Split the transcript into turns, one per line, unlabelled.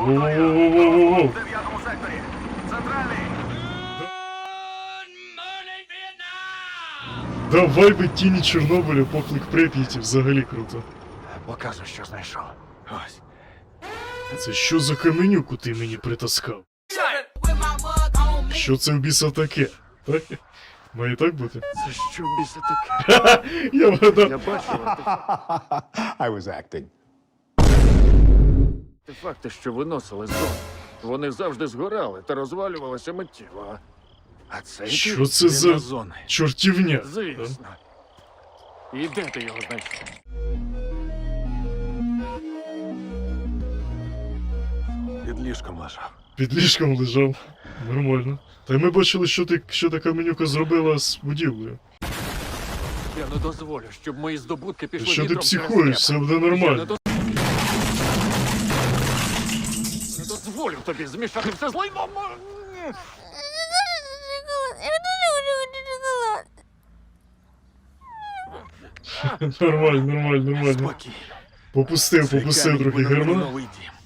Воу-воу-воу-воу-воу.
В 9-му секторі. Центральний.
Давай би тіні Чорнобиля, поклик Прип'яті, взагалі круто.
Показуй, що знайшов. Ось.
Це що за каменюку ти мені притаскав? Що це в біса таке? Так? Має так бути?
Це що в біса таке?
Я вгадав.
Я бачив
I was acting.
артефакти, що виносили з зони. Вони завжди згорали та розвалювалися миттєво. А це
Що це за
зони.
чортівня?
Звісно. І де ти його знайшов?
Під ліжком лежав.
Під ліжком лежав. Нормально. Та й ми бачили, що та каменюка зробила з будівлею.
Я не дозволю, щоб мої здобутки пішли
Що ти
вітром через
психуєш? Все
небо.
буде
Я не
нормально.
Не дозволю тобі змішати все з лайном.
Нормально, нормально, нормально.
Спокій.
Попустив трохи германа.
Новий дім.